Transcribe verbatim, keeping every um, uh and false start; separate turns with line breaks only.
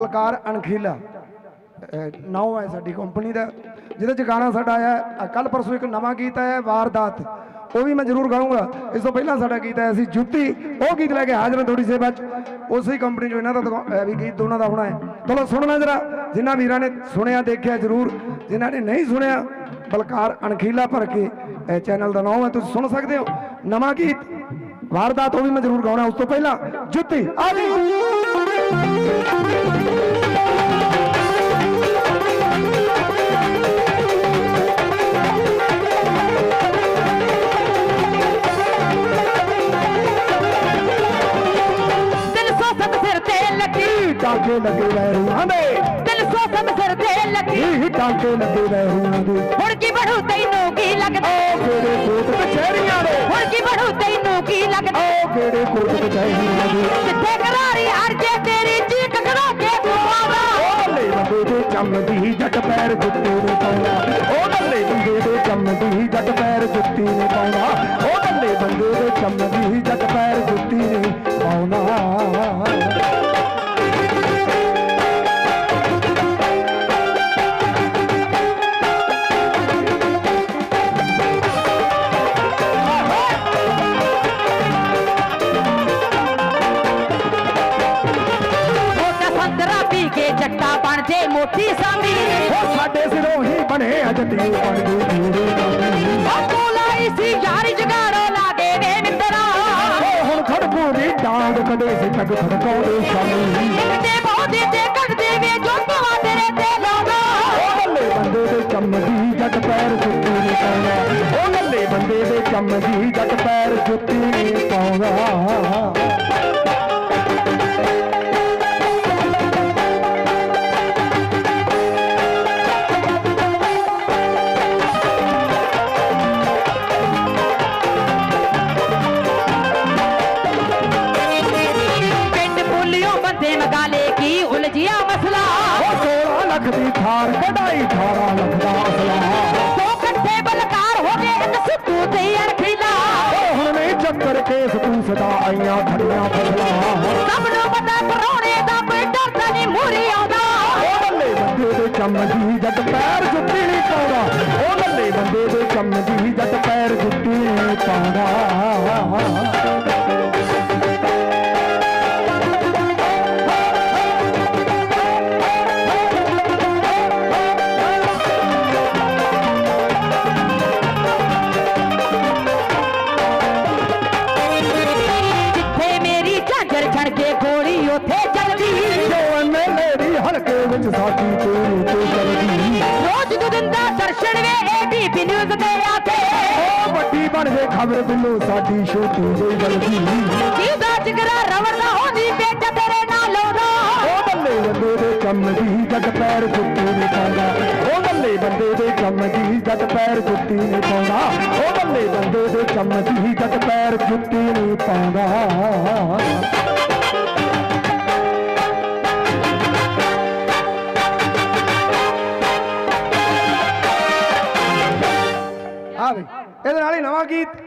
कलाकार अणखीला नाउ है साडी कंपनी का जिहदे गाना साडा आया कल परसों एक नवा गीत आया वारदात वो भी मैं जरूर गाऊंगा। इस तो पहला साडा गीत आया सी जुत्ती वो गीत लैके हाजिर हैं थोड़ी सेवा उस ही कंपनी जो इन्हों का भी गीत दोनों का होना है। चलो सुनना जरा जिन्होंने वीर ने सुनिया देखिया जरूर जिन्होंने नहीं सुनिया बलकार अणखीला भर के चैनल का नाम है तुम सुन सकते हो नवा गीत वारदात वो भी मैं जरूर गाना। उस तो पहला जुत्ती आ टाके लगे वैरूआं दे
दिल सो सब सिर ते लगी
टाके लगे वैरूआं दे
हुण की बढ़ू तैनू की लगदा
ओ केड़े कोट कचहरियां दे
हुण की बढ़ू तैनू की लगदा
ओ केड़े कोट कचहरियां दे
जिथे करारी हर जे तेरी चीक करा के तू आवा
ओ ले बंदे दे चमदी जट पैर जुत्ती ने पाउंदा ओ बल्ले बंदे दे चमदी जट पैर जुत्ती ने पाउंदा ओ बल्ले बंदे दे चमदी जट पैर जुत्ती ने पाउंदा।
जट्टा बन जे मोटी सामी
साडे सिरों ही बने जट्टी बन गए
बोलाई सी यारी जगाड़ो ला दे वे मित्रा
हुण खड़पूरी डांग कदे सी तक खड़काउंदे शामी
ते बहुते ते कट दे वे जो तवा तेरे ते लाउंदा
ओ बल्ले बंदे दे चमदी जट पैर जुत्ती ने पाउंदा ओ बल्ले बंदे दे चमदी जट पैर जुत्ती ने पाउंदा। थार कढ़ाई थारा लखदा असला
दो कट्ठे बलकार हो गए एक सिद्धू ते अणखीला
हुण नहीं चक्कर केस पूछदा आईयां खड़ियां फसला
सब नु पता परोणे दा कोई डरदा नहीं मूरी आउंदा
ओ बल्ले बंदे दे चमदी जट पैर जुत्ती नहीं पाउंदा ओ बल्ले बंदे दे चमदी जट पैर जुत्ती नहीं पाउंदा। हल्के विच साडी तेरी ते चलदी
रोज दो दिन दा दर्शन वे एबीपी न्यूज़ ते आते
ओ बड़ी बन गई खबर बिल्लो साडी छोटी जेही गलती
जीदा जिगरा रवड़ा होंदी बेटा तेरे नाल होदा
ओ बल्ले बंदे दे चमदी जट पैर जुत्ती ने पाउंदा ओ बल्ले बंदे दे चमदी जट पैर जुत्ती ने पाउंदा ओ बल्ले बंदे दे चमदी जट पैर जुत्ती ने पाउंदा। हाँ भाई ये नवा गीत